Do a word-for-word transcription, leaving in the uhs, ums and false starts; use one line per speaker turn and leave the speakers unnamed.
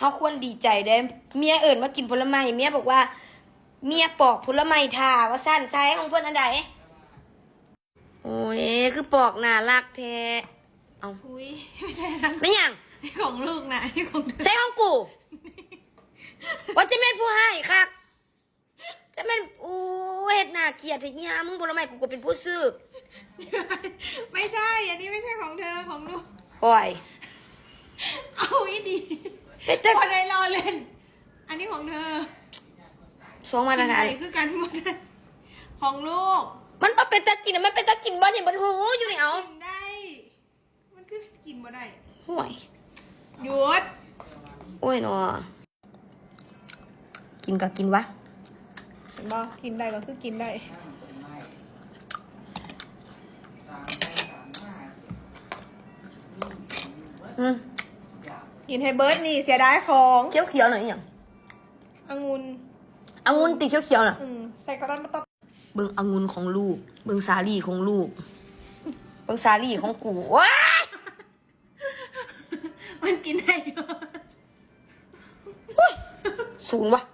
เขาควรดีใจได้เมียเอิ่นมากินผลไม้เมียบอกว่า เมียปอกผลไม้ทาว่าสั้นไซส์ของเพื่อนอันใดโอ้ยคือปอกน่ารักแท้เอา
อุ้ยไม่ใช่นะ
ไม่ยัง
นี่ของลูกนะนี่ของเธอ
ใส่ของกูว่าจะเป็นผู้ให้ค่ะจะเป็นโอ้เฮ็ดหน้าเกลียดทีนี้ฮะมึงผลไม้กูก็เป็นผู้ซื้อ
ไม่ใช่อันนี้ไม่ใช่ของเธอของลูก
โอ้ย
เอาอีดี
เป็นแต่
คนใดรอเล่น อันนี้ของเธอ
สองมาตรฐาน
กินได้คือการหมดเลยของลูก
มันบ่เป็นตะกินอะมันเป็นตะกินบ่เนี่ยมันหูอยู่นี่เอา
กินได้ มันคือกินบ่ได้
ห่วย
หยุด
โอ้ยเนาะกินก็กินวะ
เห็นบ่กินได้ก็คือกินได้
อืม
กินให้เบิร์ดนี่เสียดายของ
เขียวเขียวๆหน่อยอหย่าง
องุ่น
องุ่นติเขียวเขียวๆน่ะ
อืมใส่กระดอนมาตบ
เบิ่งองุ่นของลูก เบิ่งสาลี่ของลูก เบิ่งสาลี่ของกูว้าย
มันกินได้อยู่
สูงวะ